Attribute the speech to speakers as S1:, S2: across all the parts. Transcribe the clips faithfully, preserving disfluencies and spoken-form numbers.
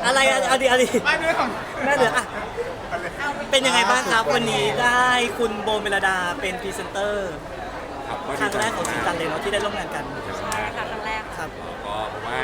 S1: อะไรอะดีอะดี
S2: ไม่เรื่องของ
S1: แม่เหลืออ่ะเป็นยังไงบ้างครับวันนี้ได้คุณโบเมลดาเป็นพรีเซนเตอร์ครั้งแรกของสีจันเลยเนาะที่ได้ร่วมงานกัน
S3: ใช่ค่ะครั้งแรก
S1: ครับ
S4: ก็ผมว่า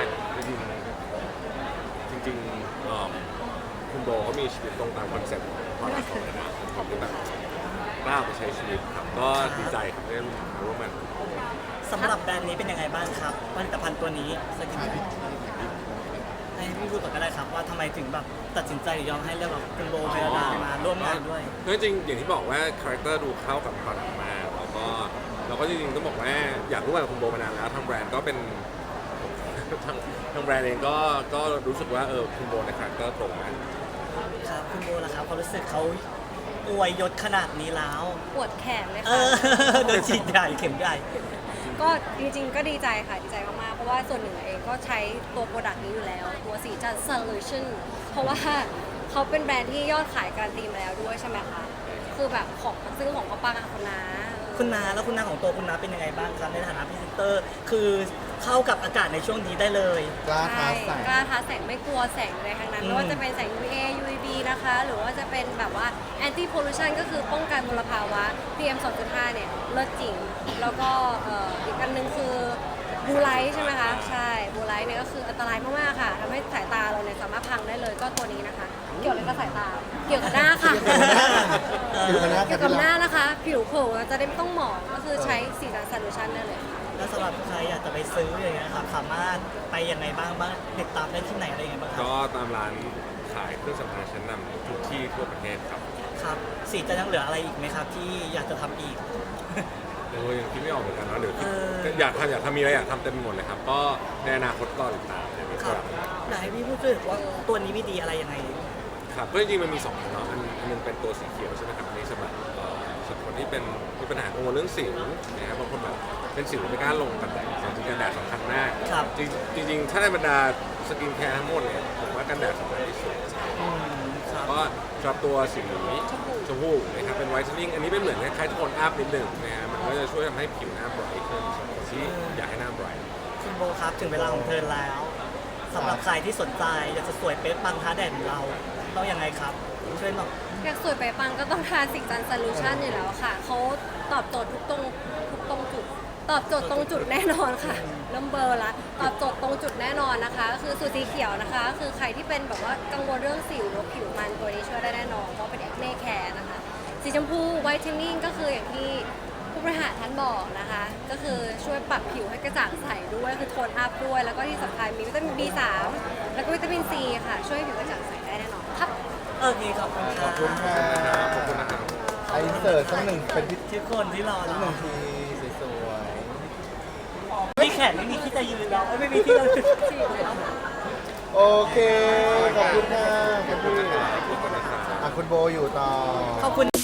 S4: จริงจริงๆเอ่อคุณโบเขามีชีวิตตรงตามคอนเซ็ปต์ของความรักของนะผมก็แบบกล้าไปใช้ชีวิตครับก็ดีใจครับได้ร่วมงาน
S1: สำหรับแบรนด์นี้เป็นยังไงบ้างครับผลิตภัณฑ์ตัวนี้สกินแคร์ให้พี่พูดก่อนก็ได้ครับว่าทำไมถึงแบบตัดสินใจหรือยอมให้เลือกแบบคุณโบเมลดามาร่วมงานด้วย
S4: จริงๆอย่างที่บอกว่าคาแรคเตอร์ดูเข้ากับผลิตมากแล้วก็เราก็จริงๆต้องบอกว่าอยากรู้ว่าคุณโบมานานแล้วทางแบรนด์ก็เป็นทางทางแบรนด์เองก็ก็รู้สึกว่าเออคุณโบในคาแรคเตอร์ตรงกัน
S1: ครับคุณโบล่ะครับความรู้สึกเขาอวยยศขนาดนี้แล้ว
S3: ปวดแขนเลย
S1: ค่ะโดนฉีดใหญ่เข็มใหญ่
S3: ก็จริงๆก็ดีใจค่ะดีใจมากๆเพราะว่าส่วนหนึ่งเองก็ใช้ตัวโปรดักต์นี้อยู่แล้วตัวสีจัน Solution เพราะว่าเขาเป็นแบรนด์ที่ยอดขายการันตีมาแล้วด้วยใช่ไหมคะคือแบบของซื้อของเขาปังอะคุณน้า
S1: คุณน้าแล้วคุณน้าของตัวคุณน้าเป็นยังไงบ้างครับในฐานะพรีเซนเตอร์คือเข้ากับอากาศในช่วงนี้ได้เลย
S2: กล้าท้าแสง
S3: กล้าท้าแสงไม่กลัวแสงเลยทั้งนั้นไม่ว่าจะเป็นแสง ยู วี เอ ยู วี บี นะคะหรือว่าจะเป็นแบบว่า Anti Pollution ก็คือป้องกันมลภาวะ พี เอ็ม สองจุดห้า เนี่ยเลิศจริงแล้วก็อีกอันนึงคือบูไลท์ใช่ไหมคะใช่บูไลท์เนี่ยก็คืออันตรายมากๆค่ะทำให้สายตาเราเนี่ยสามารถพังได้เลยก็ตัวนี้นะคะเกี่ยวอะไรกับสายตาเกี่ยวกับหน้าค่ะเกี่ยวกับหน้านะคะผิวเผลอจะได้ไม่ต้องหมองก็คือใช้สีจัน Solution ได้เลย
S1: แล้วสำหรับใครอยากจะไปซื้ออย่างเงี้ยครับสามารถไปยังไงบ้างบ้างติดตามได้ที่ไหนอะไรยังไงบ้างครับ
S4: ก็ตามร้านขายเครื่องสำอางชั้นนำทุกที่ทั่วประเทศครับ
S1: ครับสีจะยังเหลืออะไรอีกไหมครับที่อยากจะทำอีก
S4: โอ้ยยังคิดไม่ออกเหมือนกันเนาะเดี๋ยวอยากทำอยากทำมีอะไรอยากทำเต็มหมดเลยครับก็ในอนาคตก็ติดตามเดี๋ยวมีครับ
S1: ไหนพี่พูดด้วยว่าตัวนี้มีดีอะไรยังไง
S4: ครับก็จริงๆมันมีสองอันเนาะอันนึงเป็นตัวสีเขียวใช่ไหมครับอันนี้สำหรับสำหรับคนที่เป็นมีปัญหากังวลเรื่องสิวนะครับบางคนแบบเป็นสิวไม่กล้าลงกันแดดจริงๆกันแดดสำคัญมากจริงๆถ้าในบรรดาสกินแคร์ทั้งหมดเนี่ยผมว่ากันแดดสำคัญที่สุดก็สำหรับตัวสีชมพูนะครับเป็นไวท์เทนนิ่งอันนี้เป็นเหมือนคล้ายๆโทนอัพนิดหนึ่งนะฮะมันก็จะช่วยทำให้ผิวหน้าไบรท์ขึ้นที่อยากให้หน้าไบรท์
S1: คุณโบครับถึงเวลาของเธอแล้วสำหรับใครที่สนใจอยากจะสวยเป๊ะปังท้าแดดเราต้องยังไงครับช่วยบอก
S3: อยากสวยเป๊ะปังก็ต้องทานสีจัน Solution อยู่แล้วค่ะเขาตอบโจทย์ทุกตรงทุกตรงจุดตอบโจทย์ตรงจุดแน่นอนค่ะเริ่มเบอร์ละตอบโจทย์ตรงจุดแน่นอนนะคะก็คือสูตรสีเขียวนะคะคือใครที่เป็นแบบว่ากังวลเรื่องสิวหรือผิวมันตัวนี้ช่วยได้แน่นอนเพราะเป็นแอคเน่แคร์นะคะสีชมพูไวท์เทนนิ่งก็คืออย่างที่ผู้บริหารท่านบอกนะคะก็คือช่วยปรับผิวให้กระจ่างใสด้วยคือโทนอัพด้วยแล้วก็ที่สำคัญมีวิตามิน บี สาม แล้วก็วิตามิน ซี ค่ะช่วยให้ผิวกระจ่างใสได้แน่นอนครับ
S1: โอเคขอบคุณ
S2: ขอบคุณค่ะ
S4: ขอบคุณนะครับ
S2: ไอเสิร์ตสักหนึ่งเป็น
S1: ทุกคนที่รอ
S2: สักหนึ่งทีสวย
S1: ๆไม่แขนไม่มีที่จะยืนแล้วไม่มีที่จะ
S2: โอเคขอบคุณค่ะคุณพี่อ่ะคุณโบอยู่ต่อ
S1: ขอบคุณ